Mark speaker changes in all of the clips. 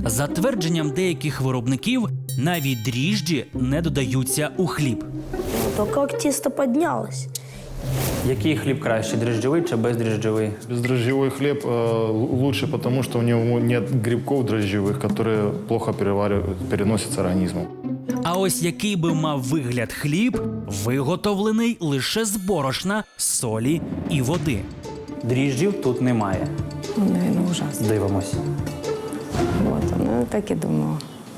Speaker 1: За твердженням деяких виробників, навіть дріжджі не додаються у хліб.
Speaker 2: То как тесто поднялось.
Speaker 3: Який хліб краще, дріжджовий чи бездріжджовий?
Speaker 4: Бездрожжевой хлеб лучше, потому что у него нет грибков дрожжевых, которые плохо переносятся организмом.
Speaker 1: А ось який би мав вигляд хліб, виготовлений лише з борошна, солі і води.
Speaker 3: Дріжджів тут немає.
Speaker 5: Наверное, ужасно.
Speaker 3: Дивимось.
Speaker 5: Вот, ну так и думала.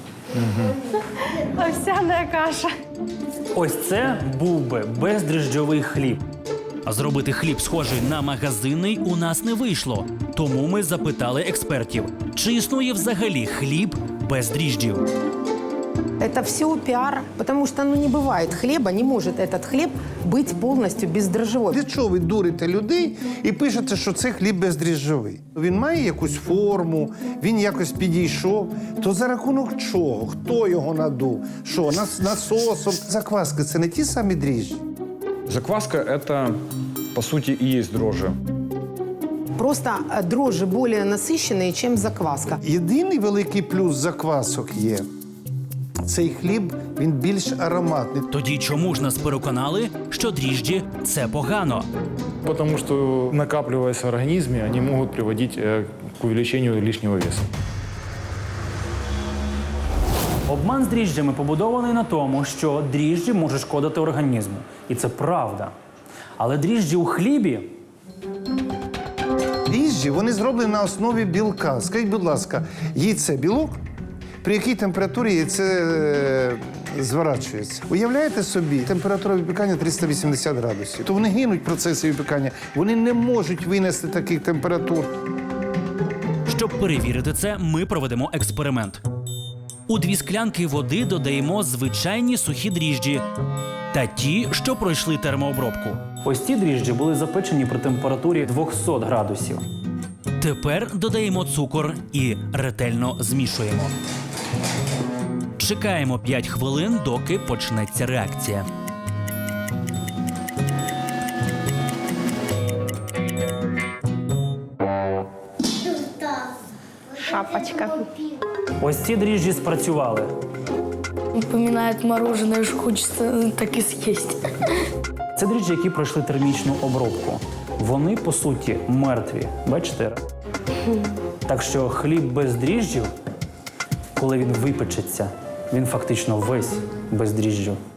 Speaker 6: Овсяна каша.
Speaker 3: Ось це був би бездріжджовий хліб.
Speaker 1: А зробити хліб схожий на магазинний у нас не вийшло. Тому ми запитали експертів, чи існує взагалі хліб без дріжджів.
Speaker 7: Это все пиар, потому что не бывает хлеба, не может этот хлеб быть полностью бездрожжевой.
Speaker 8: Для чого ви дурите людей і пишете, що це хліб бездріжджовий? Він має якусь форму, він якось підійшов. То за рахунок чого? Хто його надув? Що, насосом? Закваски – це не ті самі дріжджі?
Speaker 9: Закваска – это, по сути, и есть дрожжи.
Speaker 7: Просто дрожжи более насыщенные, чем закваска.
Speaker 8: Єдиний великий плюс заквасок є – цей хліб, він більш ароматний.
Speaker 1: Тоді чому ж нас переконали, що дріжджі – це погано?
Speaker 4: Потому что, накапливаясь в организме, они могут приводить к увеличению лишнего веса.
Speaker 3: Обман з дріжджами побудований на тому, що дріжджі можуть шкодити організму. І це правда. Але дріжджі у хлібі
Speaker 8: Дріжджі, вони зроблені на основі білка. Скажіть, будь ласка, яйце – білок? При якій температурі яйце зворачується? Уявляєте собі, температура випікання 380 градусів. То вони гинуть в процесі випікання. Вони не можуть винести таких температур.
Speaker 1: Щоб перевірити це, ми проведемо експеримент. У 2 склянки води додаємо звичайні сухі дріжджі та ті, що пройшли термообробку.
Speaker 3: ось ці дріжджі були запечені при температурі 200 градусів.
Speaker 1: Тепер додаємо цукор і ретельно змішуємо. Чекаємо 5 хвилин, доки почнеться реакція.
Speaker 6: Шапочка.
Speaker 3: Ось ці дріжджі спрацювали.
Speaker 2: Напоминает мороженое, что хочется так и съесть.
Speaker 3: Це дріжджі, які пройшли термічну обробку. Вони, по суті, мертві. Бачите? Так що хліб без дріжджів, коли він випечеться, він фактично весь без дріжджів.